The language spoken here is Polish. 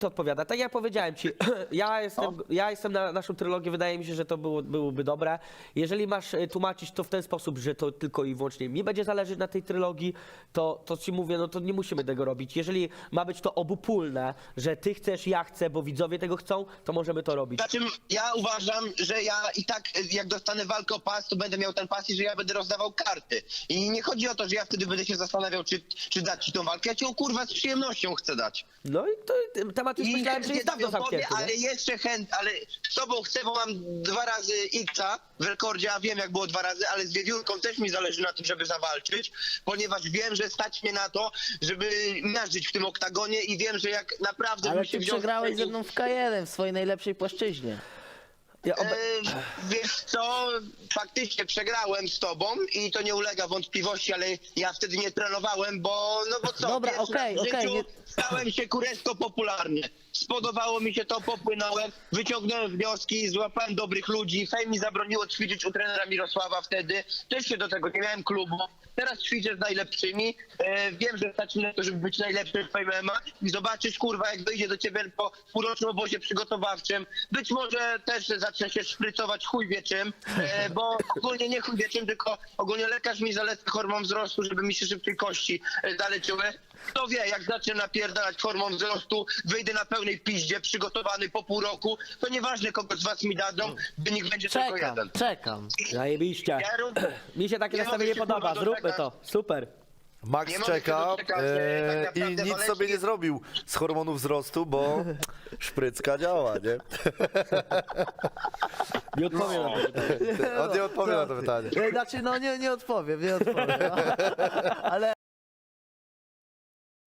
To odpowiada. Tak jak powiedziałem ci, ja jestem na naszą trylogię, wydaje mi się, że to byłoby dobre. Jeżeli masz tłumaczyć to w ten sposób, że to tylko i wyłącznie mi będzie zależeć na tej trylogii, to ci mówię, no to nie musimy tego robić. Jeżeli ma być to obopólne, że ty chcesz, ja chcę, bo widzowie tego chcą, to możemy to robić. Znaczy, ja uważam, że ja i tak jak dostanę walkę o pas, to będę miał ten pas i że ja będę rozdawał karty. I nie chodzi o to, że ja wtedy będę się zastanawiał, czy dać ci tą walkę. Ja ci ją kurwa z przyjemnością chcę dać. No i to temat już myślałem, że jest dawno zamknięty. Ale jeszcze ale z tobą chcę, bo mam 2 razy X-a w rekordzie, a wiem jak było 2 razy, ale z Wiewiórką też mi zależy na tym, żeby zawalczyć, ponieważ wiem, że stać mnie na to, żeby miażdżyć w tym oktagonie i wiem, że jak naprawdę Ale bym się ty wziął... przegrałeś ze mną w K1 w swojej najlepszej płaszczyźnie. Wiesz co, faktycznie przegrałem z tobą i to nie ulega wątpliwości, ale ja wtedy nie trenowałem, bo co, Dobra, pierwszy okej, raz w okej, życiu nie- stałem się kurewsko popularny. Spodobało mi się to, popłynąłem, wyciągnąłem wnioski, złapałem dobrych ludzi, Fame mi zabroniło ćwiczyć u trenera Mirosława wtedy, też się do tego, nie miałem klubu. Teraz ćwiczę z najlepszymi, wiem, że stać mi na to, żeby być najlepszym w MMA i zobaczysz, kurwa, jak wyjdzie do ciebie po półrocznym obozie przygotowawczym. Być może też zacznę się szprycować chuj wie czym, bo ogólnie nie chuj wie czym, tylko ogólnie lekarz mi zaleca hormon wzrostu, żeby mi się szybciej kości zaleczyły. Kto wie, jak zacznę napierdalać hormon wzrostu, wyjdę na pełnej piździe, przygotowany po pół roku, to nieważne kogo z was mi dadzą, wynik będzie tylko jeden. Czekam. Zajebiście. Ja również- Mi się takie Nie nastawienie mogę się, podoba, kurwa, zróbmy doczekać. to. Super. Max Nie mogę się czeka doczekać, tak i naprawdę nic sobie nie zrobił z hormonu wzrostu, bo szprycka działa, nie? Nie odpowiem na to pytanie. On nie odpowie na to pytanie. Znaczy, no nie odpowiem, no. Ale